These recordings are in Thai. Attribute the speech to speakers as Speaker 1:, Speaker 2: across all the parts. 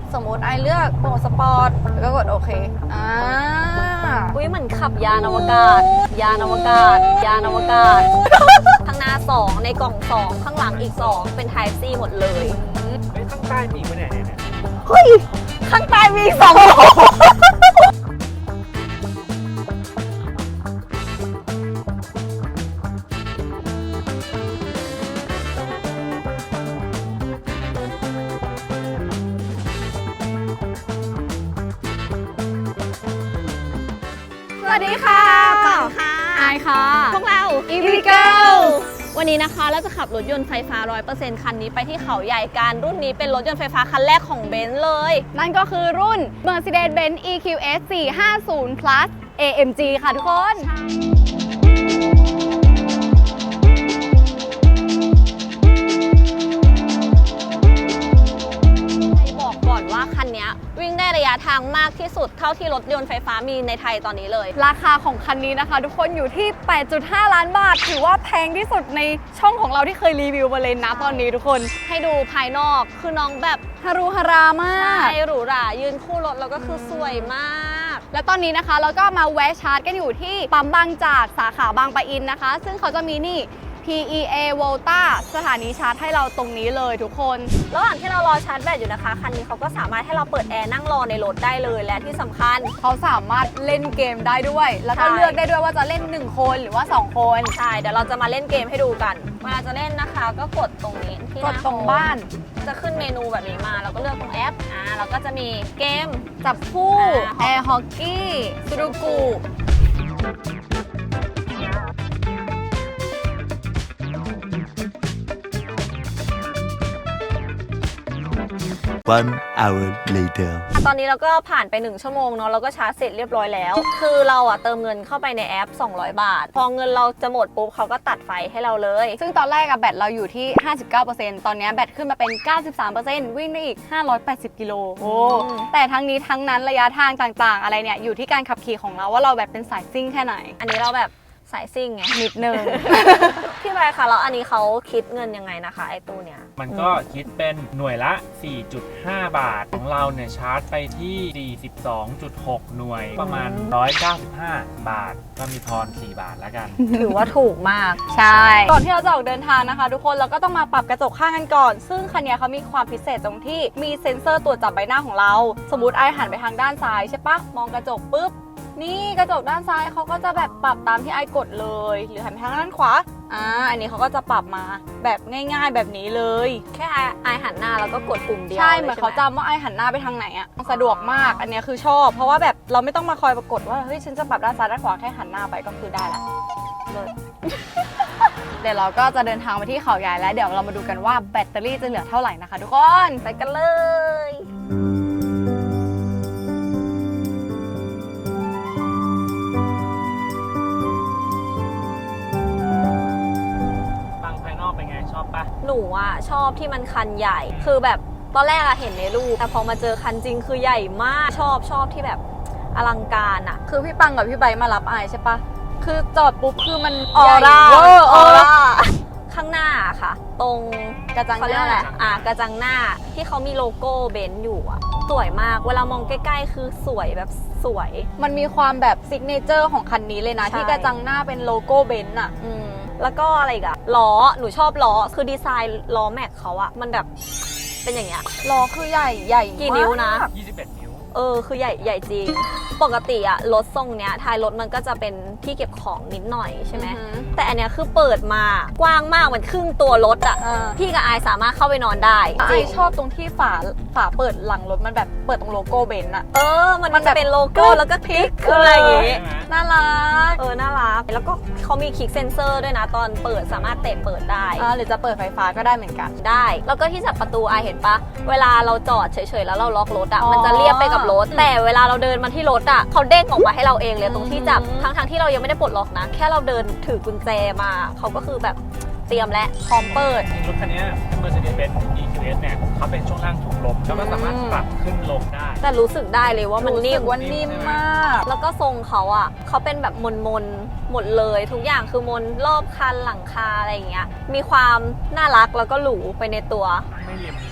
Speaker 1: สมมติไอเลือกโหมดสปอร์ตแล้วก็กดโอเค
Speaker 2: อุ้ยเหมือนขับยานอวกาศ ยานอวกาศ ยานอวกาศ ข้างหน้า2ในกล่อง2ข้างหลังอีก2เป็น Type C หมดเลย
Speaker 3: เฮ้ยข้างใต้มีอีกไหมเนี่ย
Speaker 2: เฮ้ย ข้างใต้มีอีก2โหล
Speaker 1: สวัสดีค่ะ
Speaker 2: ปังค่ะ
Speaker 1: ไอค่ะ
Speaker 2: พวกเรา
Speaker 1: EV Girl
Speaker 2: วันนี้นะคะเราจะขับรถยนต์ไฟฟ้า 100% คันนี้ไปที่เขาใหญ่กันรุ่นนี้เป็นรถยนต์ไฟฟ้าคันแรกของเบนซ์เลย
Speaker 1: นั่นก็คือรุ่น Mercedes-Benz EQS 450 Plus AMG ค่ะทุกคน
Speaker 2: บอกก่อนว่าคันนี้วิ่งได้ระยะทางมากที่สุดเท่าที่รถยนต์ไฟฟ้ามีในไทยตอนนี้เลย
Speaker 1: ราคาของคันนี้นะคะทุกคนอยู่ที่ 8.5 ล้านบาท ถือว่าแพงที่สุดในช่องของเราที่เคยรีวิวมาเลยนะตอนนี้ทุกคน
Speaker 2: ให้ดูภายนอกคือน้องแบบ
Speaker 1: ฮารุฮารามาก
Speaker 2: ใช่หรูหรายืนคู่รถแล้วก็คือสวยมาก
Speaker 1: และตอนนี้นะคะเราก็มาแวะชาร์จกันอยู่ที่ปั๊มบางจากสาขาบางปะอินนะคะ ซึ่งเขาจะมีนี่ PEA Volta สถานีชาร์จให้เราตรงนี้เลยทุกคน
Speaker 2: ระหว่างที่เรารอชาร์จแบตอยู่นะคะคันนี้เขาก็สามารถให้เราเปิดแอร์นั่งรอในรถได้เลยและที่สำคัญ
Speaker 1: เขาสามารถเล่นเกมได้ด้วย แล้วก็
Speaker 2: ใช่
Speaker 1: เลือกได้ด้วยว่าจะเล่น1คนหรือว่า2คน
Speaker 2: ใช่เดี๋ยวเราจะมาเล่นเกมให้ดูกันเวลาจะเล่นนะคะก็กดตรงนี้ที่
Speaker 1: กดตรงบ้าน
Speaker 2: จะขึ้นเมนูแบบนี้มาเราก็เลือกตรงแอปเราก็จะมีเกม
Speaker 1: จับคู่
Speaker 2: อ่า
Speaker 1: แอร์ฮอกกี้สุดุกุ
Speaker 4: 1 hour later
Speaker 2: ตอนนี้เราก็ผ่านไป1ชั่วโมงเนาะเราก็ชาร์จเสร็จเรียบร้อยแล้ว คือเราเติมเงินเข้าไปในแอป200 บาท พอเงินเราจะหมดปุ๊บเขาก็ตัดไฟให้เราเลย
Speaker 1: ซึ่งตอนแรกแบตเราอยู่ที่ 59% ตอนนี้แบตขึ้นมาเป็น 93% วิ่งได้อีก 580 กิโลโอ้แต่ทั้งนี้ทั้งนั้นระยะทางต่างๆ อะไรเนี่ยอยู่ที่การขับขี่ของเราว่าเราแบบเป็นสายซิ่งแค่ไหน
Speaker 2: อันนี้เราแบบสายซิ่งไง
Speaker 1: นิดนึง
Speaker 2: พี่ใบค่ะแล้วอันนี้เขาคิดเงินยังไงนะคะไอ้ตู้เนี้ย
Speaker 3: มันก็คิดเป็นหน่วยละ 4.5 บาท ของเราเนี่ยชาร์จไปที่ 42.6 หน่วย ประมาณ 195 บาท ก็มีทอน 4 บาทแล้วกัน
Speaker 2: ถือว่าถูกมาก
Speaker 1: ใช่ ก่อนที่เราจะออกเดินทางนะคะ ทุกคนเราก็ต้องมาปรับกระจกข้างกันก่อน ซึ่งคันนี้เขามีความพิเศษตรงที่มีเซ็นเซอร์ตรวจจับใบหน้าของเรา สมมติไอหันไปทางด้านซ้ายใช่ปะมองกระจกปุ๊บ นี่กระจกด้านซ้ายเขาก็จะแบบปรับตามที่ไอกดเลย หรือหันไปทางด้านขวาอันนี้เขาก็จะปรับมาแบบง่ายๆแบบนี้เลย
Speaker 2: แค่ไอหันหน้าแล้วก็กดปุ่มเดียว
Speaker 1: ใช่เหมือนเขา
Speaker 2: ลย
Speaker 1: จำว่าไอหันหน้าไปทางไหนอะสะดวกมาก อันนี้คือชอบ เพราะว่าแบบเราไม่ต้องมาคอยปรากฏว่าเฮ้ยฉันจะปรับด้านซ้ายด้านขวาแค่หันหน้าไปก็คือได้ละเลย เดี๋ยวเราก็จะเดินทางไปที่เขาใหญ่แล้วเดี๋ยวเรามาดูกันว่าแบตเตอรี่จะเหลือเท่าไหร่นะคะทุกคน
Speaker 2: ไปกันเลย
Speaker 3: ฟังภายนอกเป็นไงชอบปะ
Speaker 2: หนูชอบที่มันคันใหญ่ คือแบบตอนแรกเห็นในรูปแต่พอมาเจอคันจริงคือใหญ่มาก ชอบที่แบบอลังการอะ
Speaker 1: คือพี่ปังกับพี่ใบมารับไอใช่ปะคือจอดปุ๊บคือมัน
Speaker 2: ออร่า
Speaker 1: ใหญ่เวอร์
Speaker 2: ออร่าข้างหน้าค่ะ ตรง
Speaker 1: กระจัง
Speaker 2: เขาเรียกอะไรกระจังหน้าที่เขามีโลโก้เบนซ์อยู่สวยมากเวลามองใกล้ๆคือสวยแบบสวย
Speaker 1: มันมีความแบบซิกเนเจอร์ของคันนี้เลยนะ
Speaker 2: ใช่
Speaker 1: ที่กระจังหน้าเป็นโลโก้เบนซ์อะ
Speaker 2: แล้วก็อะไรอีกอะล้อหนูชอบล้อคือดีไซน์ล้อแม็กเขามันแบบเป็นอย่างเงี้ย
Speaker 1: ล้อคือใหญ่
Speaker 2: กี่นิ้วนะ
Speaker 1: มาก
Speaker 3: 21 นิ้ว
Speaker 2: คือใหญ่จริง ปกติรถทรงเนี้ยท้ายรถมันก็จะเป็นที่เก็บของนิดหน่อยใช่ไหม
Speaker 1: อือหือ
Speaker 2: แต่อันเนี้ยคือเปิดมากว้างมากเหมือนครึ่งตัวรถพี่กับอายสามารถเข้าไปนอนได้
Speaker 1: ไอ
Speaker 2: จริง
Speaker 1: ชอบตรงที่ฝาเปิดหลังรถมันแบบเปิดตรงโลโก้เบนซ์อะ
Speaker 2: มัน
Speaker 1: มันแบบ
Speaker 2: จะเป็นโลโก้แล้วก็คลิกอะไรอย่างงี้
Speaker 1: น่ารัก
Speaker 2: น่ารักแล้วก็เขามีคลิกเซนเซอร์ด้วยนะตอนเปิดสามารถเตะเปิดได้
Speaker 1: หรือจะเปิดไฟฟ้าก็ได้เหมือนกัน
Speaker 2: ได้ แล้วก็ที่จับประตูอายเห็นปะเวลาเราจอดเฉยๆแล้วเราล็อกรถ
Speaker 1: อ๋อ
Speaker 2: มันจะเรียบไปกับรถ แต่เวลาเราเดินมาที่รถเขาเด้งออกมาให้เราเองเลยตรงที่จับ ทั้งที่เรายังไม่ได้ปลดล็อกนะ แค่เราเดินถือกุญแจมาเขาก็คือแบบเตรียมและพร้อมเปิด
Speaker 3: รถคันนี้ Mercedes-Benz EQS เนี่ยเขาเป็นช่วงล่างถุงลมแล้วก็สามารถปรับขึ้นลงได้
Speaker 2: แต่รู้สึกได้เลยว่ามัน
Speaker 1: รู้
Speaker 2: นิ่
Speaker 1: สึ
Speaker 2: ม
Speaker 1: กว่านิ่มมาก
Speaker 2: แล้วก็ทรงเขาเขาเป็นแบบมนหมดเลยทุกอย่างคือมนรอบคันหลังคาอะไรอย่างเงี้ยมีความน่ารักแล้วก็หรูไปในตัว
Speaker 3: ไม่เหลี่ยม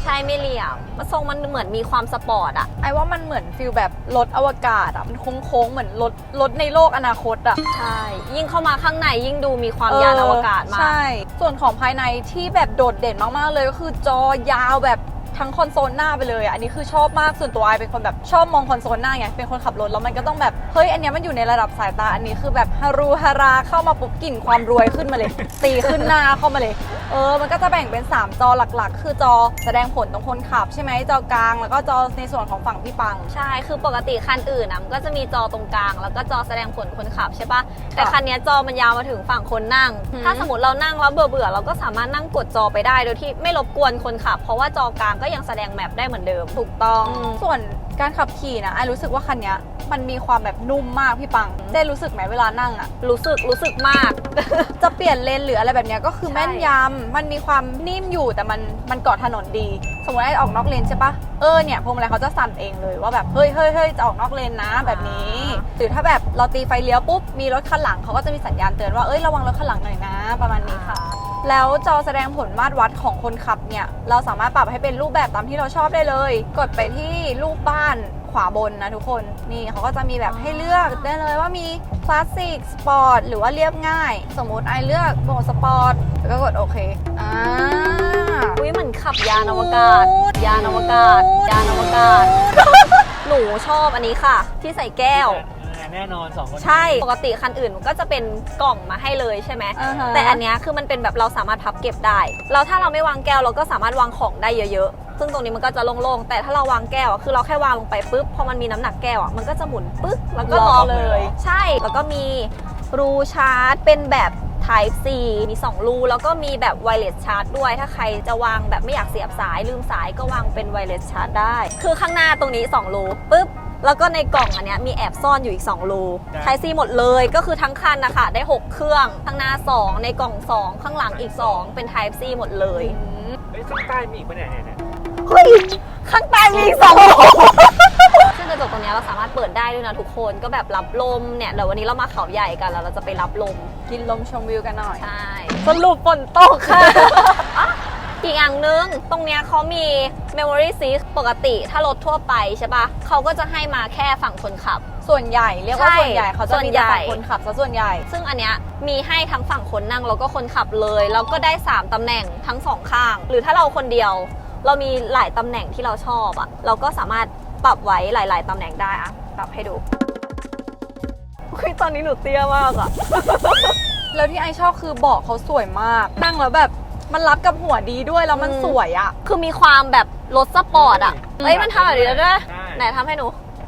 Speaker 2: ใช่ไม่เหลี่ยมมันทรงมันเหมือนมีความสปอร์ตอะ
Speaker 1: ไอ้ว่ามันเหมือนฟิลแบบรถอวกาศอ่ะมันโค้งๆเหมือนรถในโลกอนาคตอ่ะ
Speaker 2: ใช่ ยิ่งเข้ามาข้างในยิ่งดูมีความยานอวกาศมาก
Speaker 1: ใช่ ส่วนของภายในที่แบบโดดเด่นมากๆเลยก็คือจอยาวแบบทั้งคอนโซลหน้าไปเลยอ่ะอันนี้คือชอบมากส่วนตัวไอเป็นคนแบบชอบมองคอนโซลหน้าไงเป็นคนขับรถแล้วมันก็ต้องแบบเฮ้ยอันเนี้ยมันอยู่ในระดับสายตาอันนี้คือแบบฮารูฮาราเข้ามาปุ๊บกลิ่นความรวยขึ้นมาเลย ตีขึ้นหน้าเข้ามาเลยมันก็จะแบ่งเป็น3จอหลักๆ คือจอแสดงผลตรงคนขับใช่ไหมจอกลางแล้วก็จอในส่วนของฝั่งพี่ปัง
Speaker 2: ใช่ คือปกติคันอื่นนะมันก็จะมีจอตรงกลาง แล้วก็จอแสดงผลคนขับใช่ปะแต่คันเนี้ยจอมันยาวมาถึงฝั่งคนนั่ง
Speaker 1: อืม
Speaker 2: ถ้าสมมติเรานั่งแล้วเบื่อเราก็สามารถนั่งกดจอไปได้โดยที่ไม่รบกวนคนขับ เพราะว่าจอกลางก็ยังแสดงแมปได้เหมือนเดิม
Speaker 1: ถูกต้อง
Speaker 2: อืม
Speaker 1: ส่วนการขับขี่นะไอรู้สึกว่าคันเนี้ยมันมีความแบบนุ่มมากพี่ปังได้รู้สึกไหมเวลานั่งอะ
Speaker 2: รู้สึกมาก
Speaker 1: จะเปลี่ยนเลนหรืออะไรแบบเนี้ยก็คือ
Speaker 2: ใช่
Speaker 1: แม่นยำมันมีความนิ่มอยู่แต่มันเกาะถนนดี สมมติไอ้ออกนอกเลนใช่ปะเนี่ยพวงมาลัยเขาจะสั่นเองเลยว่าแบบเฮ้ยจะออกนอกเลนนะแบบนี้ หรือถ้าแบบเราตีไฟเลี้ยวปุ๊บมีรถคันหลังเขาก็จะมีสัญญาณเตือนว่าระวังรถคันหลังหน่อยนะประมาณนี้ค่ะ แล้วจอแสดงผลมาตรวัดของคนขับเนี่ยเราสามารถปรับให้เป็นรูปแบบตามที่เราชอบได้เลย กดไปที่รูปบ้านขวาบนนะทุกคนนี่เขาก็จะมีแบบให้เลือกได้เลยว่ามีคลาสสิกสปอร์ตหรือว่าเรียบง่าย สมมุติไอเลือกโหมดสปอร์ตแล้วก็กดโอเค
Speaker 2: อุ้ยเหมือนขับยานอวกาศ
Speaker 1: นูด
Speaker 2: ยานอวกาศ ยานอวกาศ หนูชอบอันนี้ค่ะ ที่ใส่แก้ว
Speaker 3: แน่นอน2 คน
Speaker 2: ใช่ ปกติคันอื่นมันก็จะเป็นกล่องมาให้เลยใช่ไหม
Speaker 1: อ่าฮะ
Speaker 2: แต่อันเนี้ยคือมันเป็นแบบเราสามารถพับเก็บได้แล้วถ้าเราไม่วางแก้วเราก็สามารถวางของได้เยอะๆ ซึ่งตรงนี้มันก็จะโล่งๆ แต่ถ้าเราวางแก้วอะคือเราแค่วางลงไปปุ๊บ พอมันมีน้ำหนักแก้วอะมันก็จะหมุนปึ๊กแล้วก็ล็อกเลย ใช่ แล้วก็มีรูชาร์จเป็นแบบ Type C มี2รูแล้วก็มีแบบ Wireless Charge ด้วย ถ้าใครจะวางแบบไม่อยากเสียบสายลืมสายก็วางเป็น Wireless Charge ได้ คือข้างหน้าตรงนี้2รูปุ๊บ แล้วก็ในกล่องอันเนี้ยมีแอบซ่อนอยู่อีก2รูไทซีหมดเลยก็คือทั้งคันนะคะได้6เครื่องข้างหน้า2ในกล่อง2ข้างหลังอีก2เป็น Type C หมดเลย
Speaker 3: เฮ้ยข้างใต้มีอีกปะเนี่ย
Speaker 2: เฮ้ยข้างใต้มีอีก2รูซึ่งกระจกตรงเนี้ยเราสามารถเปิดได้ด้วยนะทุกคนก็แบบรับลมเนี่ยเดี๋ยววันนี้เรามาเขาใหญ่กันแล้วเราจะไปรับลม
Speaker 1: กินลมชมวิวกันหน่อย
Speaker 2: ใช่
Speaker 1: สรุปฝนตกค่ะ
Speaker 2: อีกอย่างหนึงตรงเนี้ยเขามี memory seat ปกติถ้ารถทั่วไปใช่ปะเขาก็จะให้มาแค่ฝั่งคนขับ
Speaker 1: ส่วนใหญ่เรียกว่า
Speaker 2: ใช่
Speaker 1: ส่วนใหญ่เขาจะมีแต่ฝั่ง
Speaker 2: ส่วนใหญ่
Speaker 1: คนขับซะส่วนใหญ่
Speaker 2: ซึ่งอันเนี้ยมีให้ทั้งฝั่งคนนั่งแล้วก็คนขับเลยแล้วก็ได้ 3 ตำแหน่งทั้ง 2 ข้าง หรือถ้าเราคนเดียว เรามีหลายตำแหน่งที่เราชอบอะเราก็สามารถปรับไว้หลาย ๆ ตำแหน่งได้อะปรับให้ดูอุ๊ยตอนนี้หนูเตี้ยมากอะ
Speaker 1: แล้วที่ไอชอบคือเบาะเขาสวยมาก นั่งแล้วแบบมันรับกับหัวดีด้วยแล้วมันสวยอ่ะ
Speaker 2: คือมีความแบบรถสปอร์ตอะเอ้ยมันทำแบบนี้แล้วด้วย
Speaker 3: ใช่
Speaker 2: ไหนทำให้หนู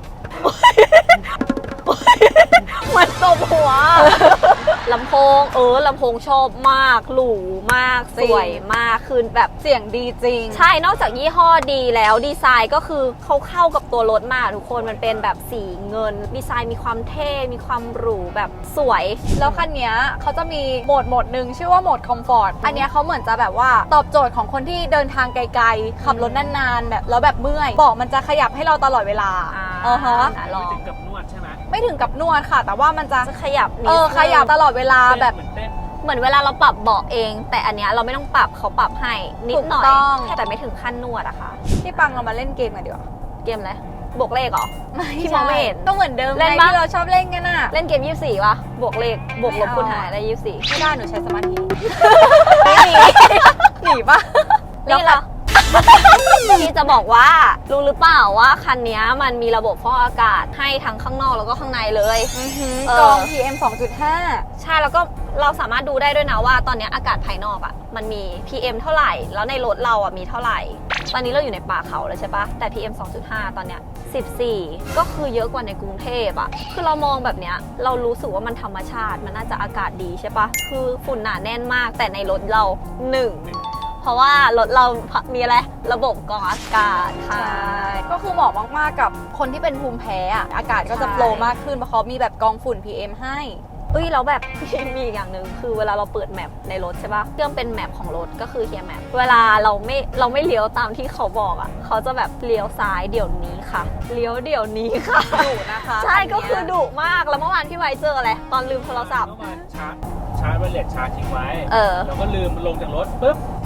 Speaker 2: เหมือนตบหัว ลำโพงลำโพงชอบมากหรูมาก
Speaker 1: จ
Speaker 2: ส
Speaker 1: ริง
Speaker 2: วยมากคือแบบ
Speaker 1: เสียงดีจริง
Speaker 2: ใช่ นอกจากยี่ห้อดีแล้วดีไซน์ก็คือเขาเข้ากับตัวรถมากทุกคนมันเป็นแบบสีเงิน ดีไซน์มีความเท่ มีความหรูแบบสวย
Speaker 1: แล้วคันเนี้ยเขาจะมีโหมดหนึ่งชื่อว่าโหมดคอมฟอร์ต อันเนี้ยเขาเหมือนจะแบบว่าตอบโจทย์ของคนที่เดินทางไกลๆ ขับรถนานๆแบบแล้วแบบเมื่อยเบาะมันจะขยับให้เราตลอดเวลา ฮะ
Speaker 2: ลอง
Speaker 3: ไม่ถึงกับนวดใช่ไหม
Speaker 1: ไม่ถึงกับนวดค่ะ แต่ว่ามันจะ
Speaker 2: จะขยับนิดนึง
Speaker 1: ขยับตลอดเวลาแบบ
Speaker 3: เหมือนเต้น
Speaker 2: เหมือนเวลาเราปรับเบาะเอง แต่อันเนี้ยเราไม่ต้องปรับเขาปรับให้นิดหน่อย
Speaker 1: ถูกต้อง
Speaker 2: แต่ไม่ถึงขั้นนวดอะค่ะ
Speaker 1: ที่ปังเรามาเล่นเกมกันดีกว่า
Speaker 2: เกมอะไรบวกเลขเหรอ ที่มองไม่เห็น
Speaker 1: ก็เหมือนเดิม
Speaker 2: เล่น
Speaker 1: ไง
Speaker 2: ปะ
Speaker 1: ที่เราชอบเล่นกันน่ะ
Speaker 2: เล่นเกม 24 ป่ะ บวกเลข บวกลบ
Speaker 1: ไม่เอา
Speaker 2: คูณหารได้ 24
Speaker 1: ไม่ได้หนูใช้สมาธิ
Speaker 2: ไม่หนี
Speaker 1: หนีปะ
Speaker 2: นี่เหรอ ที่จะบอกว่ารู้หรือเปล่าว่าคันนี้มันมีระบบฟอกอากาศให้ทั้งข้างนอกแล้วก็ข้างในเลย
Speaker 1: กรอง PM 2.5
Speaker 2: ใช่แล้วก็เราสามารถดูได้ด้วยนะว่าตอนนี้อากาศภายนอกอ่ะมันมี PM เท่าไหร่ แล้วในรถเราอ่ะมีเท่าไหร่ ตอนนี้เราอยู่ในป่าเขาเลยใช่ปะแต่ PM 2.5 ตอนเนี้ย14 ก็คือเยอะกว่าในกรุงเทพอ่ะคือเรามองแบบเนี้ยเรารู้สึกว่ามันธรรมชาติมันน่าจะอากาศดีใช่ปะคือฝุ่นหนาแน่นมากแต่ในรถเรา1เพราะว่ารถเรามีอะไรระบบกรองอากาศค่ะ
Speaker 1: ก็คือเหมาะมากๆกับคนที่เป็นภูมิแพ้อะอากาศก็จะ
Speaker 2: ใช่
Speaker 1: โปรมากขึ้นเพราะเขามีแบบกรองฝุ่น PM ให้
Speaker 2: เอ้ยแล้วแบบ มีอีกอย่างหนึ่งคือเวลาเราเปิดแมปในรถใช่ปะเครื่องเป็นแมปของรถก็คือเฮียแมปเวลาเราไม่เลี้ยวตามที่เขาบอกอ่ะเขาจะแบบเลี้ยวซ้ายเดี๋ยวนี้ค่ะเลี้ยวเดี๋ยวนี้ค่ะ
Speaker 1: ดุนะคะ
Speaker 2: ใช่
Speaker 1: นเนี้ย
Speaker 2: ก็คือดุมากแล้วเมื่อวานพี่ไว้เจออะไรตอนลืมโทรศัพท์
Speaker 3: เมื่อวานชาร์จไวเลสชาร์จทิ้งไว้
Speaker 2: เออ
Speaker 3: แล้วก็ลืมลงจากรถปุ๊บ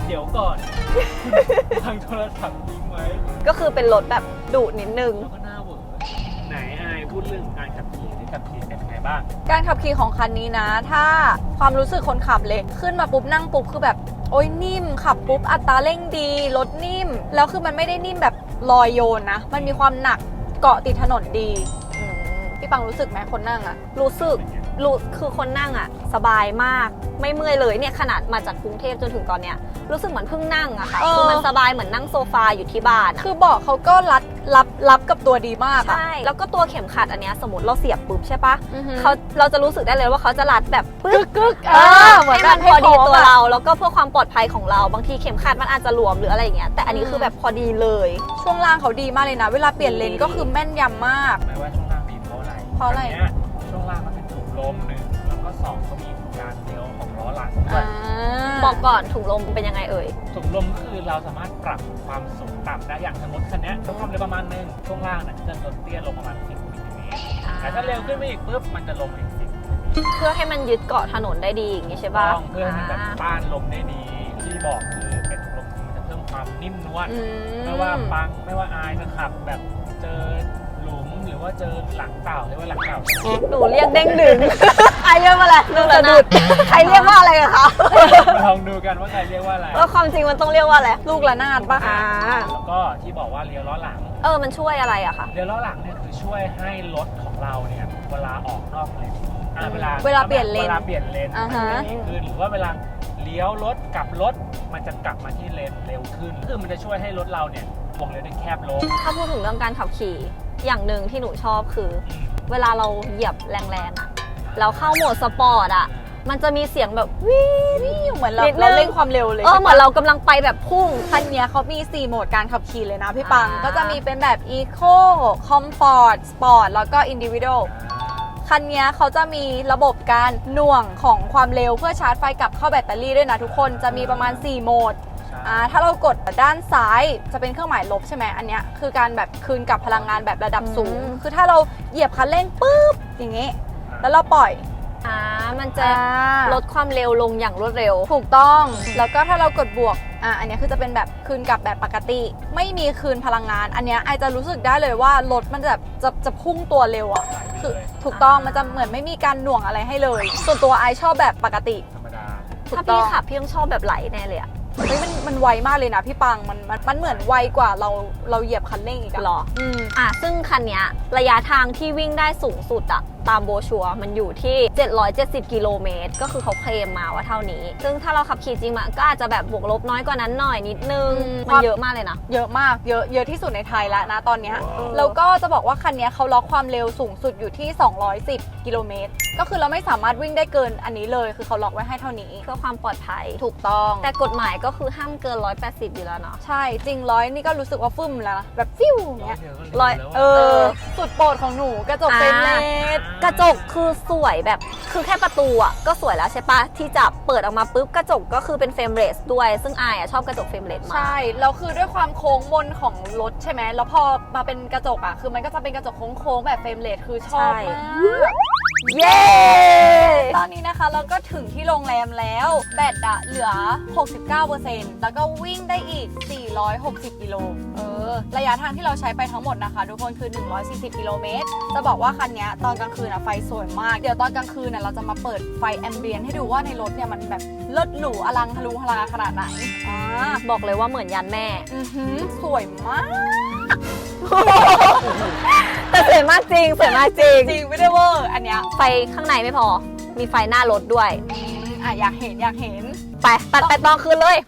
Speaker 3: เดี๋ยวก่อน วางโทรศัพท์ทิ้งไว้
Speaker 2: ก็คือเป็นรถแบบดุนิดนึง
Speaker 3: แล้วก็หน้าเหวอไหนอายพูดเรื่องการขับขี่ที่ขับขี่เป็นยังไงบ้าง
Speaker 1: การขับขี่ของคันนี้นะ ถ้าความรู้สึกคนขับเลยขึ้นมาปุ๊บนั่งปุ๊บคือแบบโอ้ยนิ่มขับปุ๊บอัตราเร่งดีรถนิ่มแล้วคือมันไม่ได้นิ่มแบบลอยโยนนะมันมีความหนักเกาะติดถนนดีพี่ปังรู้สึกไหมคนนั่งอะ
Speaker 2: รู้สึกคือคนนั่งอ่ะสบายมากไม่เมื่อยเลยเนี่ยขนาดมาจากกรุงเทพจนถึงตอนเนี้ยรู้สึกเหมือนเพิ่งนั่งอะค่ะคือมันสบายเหมือนนั่งโซฟาอยู่ที่บ้านอะ
Speaker 1: คือเบาะเขาก็รับกับตัวดีมากอะ
Speaker 2: ใช่แล้วก็ตัวเข็มขัดอันเนี้ยสมมติเราเสียบปุ๊บใช่ปะ
Speaker 1: อือฮึ
Speaker 2: เราจะรู้สึกได้เลยว่าเขาจะรัดแบบปึ๊ก
Speaker 1: กึก
Speaker 2: เหมือนมันพอดีตัวเราแล้วก็เพื่อความปลอดภัยของเราบางทีเข็มขัดมันอาจจะหลวมหรืออะไรอย่างเงี้ยแต่อันนี้คือแบบพอดีเลย
Speaker 1: ช่วงล่างเขาดีมากเลยนะ เวลาเปลี่ยนเลนก็คือแม่นยำมาก
Speaker 3: ไม่ว่าช่วงล่างดีเพราะอะไร
Speaker 1: เพราะอะไร
Speaker 3: นนี้ยช่วงล่างมันเป็นถุงลมหนึ่งแล้วก็สองก็มีการเลี้ยวของล้อหลังด้วย
Speaker 2: บอกก่อนถุงลมเป็นยังไงเอ่ย
Speaker 3: ถุงลมก็คือเราสามารถปรับความสูงต่ำได้อย่างสมมติคันเนี้ยความเร็วประมาณนึงช่วงล่างน่ะจะลดเตี้ยลงประมาณ10 มิลลิเมตรแต่ถ้าเร็วขึ้นไปอีกปุ๊บมันจะลงอีก10 มิลลิเมตร
Speaker 2: เพื่อให้มันยึดเกาะถนนได้ดีอย่างงี้ใช่ปะ
Speaker 3: ต้องเพื่อให้มันแบบต้านลมได้ดีที่บอกคือเป็นถุงลมคือมันจะเพิ่มความนิ่มนวลไม่ว่าปังไม่ว่าอายจะขับแบบเจอหลุมหรือว่าเจอหลังเต่าหรือว่าหลังเต่า
Speaker 2: หนูเรียกเด้งดึงใครเรียกว่าอะไรลูกสะดุดใครเรียกว่าอะไรกับเขา
Speaker 3: มาลองดูกันว่าใครเรียกว่าอะไร
Speaker 2: แล้วความจริงมันต้องเรียกว่าอะไร
Speaker 1: ลูกระนาดปะ
Speaker 3: แล้วก็ที่บอกว่าเลี้ยวล้อหลัง
Speaker 2: มันช่วยอะไรอะคะ
Speaker 3: เลี้ยวล้อหลังเนี่ยคือช่วยให้รถของเราเนี่ยเวลาออกนอกเลนเวลา
Speaker 1: เวลาเปลี่ยนเลน
Speaker 3: เวลาเปลี่ยนเลน
Speaker 1: อ่า
Speaker 3: มัน
Speaker 1: ฮะ
Speaker 3: จะดีขึ้นหรือว่าเวลาเลี้ยวรถกลับรถมันจะกลับมาที่เลนเร็วขึ้นคือมันจะช่วยให้รถเราเนี่ยวงเลี้ยวได้แคบลง
Speaker 2: ถ้าพูดถึงเรื่องการขับขี่อย่างหนึ่งที่หนูชอบคือ เวลาเราเหยียบแรงๆอะแล้วเข้าโหมดสปอร์ตอะมันจะมีเสียงแบบวิว
Speaker 1: เหมือนเรา
Speaker 2: นิดนึง
Speaker 1: เราเร่งความเร็วเลย
Speaker 2: เหมือนเรากำลังไปแบบพุ่ง
Speaker 1: คันเนี้ยเขามี 4 โหมดการขับขี่เลยนะพี่ปัง
Speaker 2: อ่า
Speaker 1: ก็จะมีเป็นแบบ Eco Comfort Sport แล้วก็ Individual คันเนี้ยเขาจะมีระบบการหน่วงของความเร็วเพื่อชาร์จไฟกลับเข้าแบตเตอรี่ด้วยนะทุกคนจะมีประมาณ 4 โหมด ถ้าเรากดด้านซ้ายจะเป็นเครื่องหมายลบใช่ไหมอันเนี้ยคือการแบบคืนกลับพลังงานแบบระดับสูง คือถ้าเราเหยียบคันเร่งปุ๊บอย่างงี้ แล้วเราปล่อย
Speaker 2: มันจะลดความเร็วลงอย่างรวดเร็ว
Speaker 1: ถูกต้องแล้วก็ถ้าเรากดบวกอันเนี้ยคือจะเป็นแบบคืนกลับแบบปกติ ไม่มีคืนพลังงาน อันเนี้ยไอจะรู้สึกได้เลยว่ารถมันแบบจะพุ่งตัวเร็วอ่ะคือถูกต้องมันจะเหมือนไม่มีการหน่วงอะไรให้เลย ส่วนตัวไอชอบแบบปกติ
Speaker 3: ธรรมดา
Speaker 1: ถูก
Speaker 2: ถ้า
Speaker 1: ต้
Speaker 2: พี่
Speaker 1: อง
Speaker 2: ขับพี่ต้องชอบแบบไหลแน่เลยอะ
Speaker 1: เฮ้ยมันไวมากเลยนะพี่ปังมันเหมือนไวกว่าเราเหยียบคันเร่งอีกอะ
Speaker 2: หรอ ซึ่งคันเนี้ยระยะทางที่วิ่งได้สูงสุดอะตามโบชัวร์มันอยู่ที่ 770 กิโลเมตร ก็คือเขาเคลมมาว่าเท่านี้ ซึ่งถ้าเราขับขี่จริงมันก็อาจจะแบบบวกลบน้อยกว่านั้นหน่อยนิดนึง มันเยอะมากเลยนะ
Speaker 1: เยอะมากเยอะที่สุดในไทยแล้วนะตอนเนี้ยแล้วก็จะบอกว่าคันเนี้ยเขาล็อกความเร็วสูงสุดอยู่ที่ 210 กิโลเมตร ก็คือเราไม่สามารถวิ่งได้เกินอันนี้เลยคือเขาล็อกไว้ให้เท่านี้
Speaker 2: เพื่อความปลอดภัย
Speaker 1: ถูกต้อง
Speaker 2: แต่กฎหมายก็คือห้ามเกิน 180 อยู่แล้วเนาะ
Speaker 1: ใช่จริงร้อยนี่ก็รู้สึกว่าฟึ่มแล้วนะแบบฟิวอย่างเงี้ย
Speaker 2: ร้อย
Speaker 1: สุดโปรดของหนูกระจกเฟรมเลส
Speaker 2: กระจกคือสวยแบบคือแค่ประตูอ่ะก็สวยแล้วใช่ปะที่จับเปิดออกมาปุ๊บกระจกก็คือเป็นเฟรมเลสด้วยซึ่งอายอ่ะชอบกระจกเฟรมเลสมาก
Speaker 1: ใช่แล้วคือด้วยความโค้งมนของรถใช่ไหมแล้วพอมาเป็นกระจกอ่ะคือมันก็จะเป็นกระจกโค้งๆแบบเฟรมเลสคือชอบมาก
Speaker 2: เย้
Speaker 1: ตอนนี้นะคะเราก็ถึงที่โรงแรมแล้วแบตอะเหลือ 69% แล้วก็วิ่งได้อีก 460 กิโลระยะทางที่เราใช้ไปทั้งหมดนะคะทุกคนคือ 140 กิโลเมตรจะบอกว่าคันนี้ตอนกลางคืนอะไฟสวยมากเดี๋ยวตอนกลางคืนอะเราจะมาเปิดไฟแอมเบียนให้ดูว่าในรถเนี่ยมันแบบเลิศหรูอลังทะลุทะลาขนาดไหน
Speaker 2: บอกเลยว่าเหมือนยันแม่
Speaker 1: สวยมาก
Speaker 2: แต่สวยมากจริงสวยมากจริง
Speaker 1: จริงไม่ได้เวอร์อันเนี้ย
Speaker 2: ไฟข้างในไม่พอมีไฟหน้ารถด้วย
Speaker 1: อยากเห็น
Speaker 2: ไปตัดไปตอนคืนเลย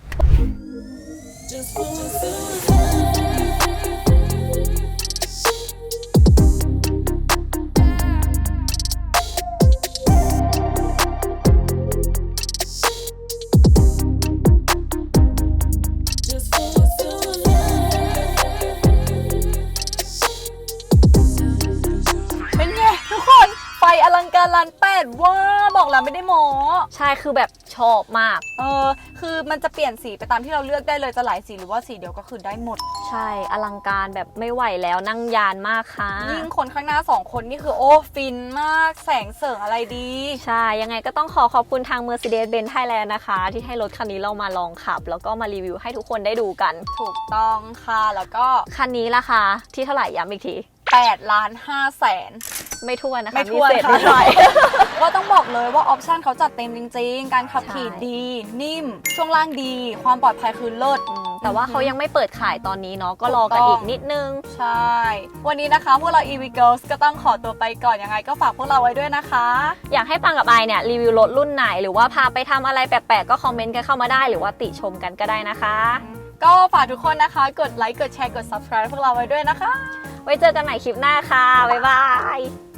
Speaker 1: เป็นไงทุกคนไฟอลังกการล้านแปดว่าบอกแล้วไม่ได้โม
Speaker 2: ใช่คือแบบชอบมาก
Speaker 1: คือมันจะเปลี่ยนสีไปตามที่เราเลือกได้เลยจะหลายสีหรือว่าสีเดียวก็คือได้หมด
Speaker 2: ใช่อลังการแบบไม่ไหวแล้วนั่งยานมากค่ะ
Speaker 1: ยิ่งคนข้างหน้า2คนนี่คือโอ้ฟินมากแสงเสริงอะไรดี
Speaker 2: ใช่ยังไงก็ต้องขอบคุณทาง Mercedes-Benz Thailand นะคะ ที่ให้รถคันนี้เรามาลองขับ แล้วก็มารีวิวให้ทุกคนได้ดูกัน
Speaker 1: ถูกต้องค่ะแล้วก็
Speaker 2: คันนี้ราคาที่เท่าไหร่ย้ำอีกที
Speaker 1: 8 ล้าน 5 แสน
Speaker 2: ไม่ทั่วนนะคะ
Speaker 1: ไม่ถ้วน
Speaker 2: เศษ
Speaker 1: ค่ะ
Speaker 2: นิดหน่อย
Speaker 1: ก็ต้องบอกเลยว่าออปชันเขาจัดเต็มจริงๆ การขับขี่
Speaker 2: ใช่
Speaker 1: ดี นิ่ม ช่วงล่างดี ความปลอดภัยคือเลิศ
Speaker 2: แต่ว่าเขายังไม่เปิดขายตอนนี้เนาะก็รอกันอีกนิดนึง
Speaker 1: ใช่ วันนี้นะคะพวกเรา EV Girls ก็ต้องขอตัวไปก่อนยังไงก็ฝากพวกเราไว้ด้วยนะคะ
Speaker 2: อยากให้ปังกับไอเนี่ยรีวิวรถรุ่นไหน หรือว่าพาไปทำอะไรแปลกๆก็คอมเมนต์กันเข้ามาได้หรือว่าติชมกันก็ได้นะคะ
Speaker 1: ก็ฝากทุกคนนะคะ กดไลค์ กดแชร์ กด subscribe พวกเราไว้ด้วยนะคะ
Speaker 2: ไว้เจอกันใหม่คลิปหน้าค่ะ บ๊ายบาย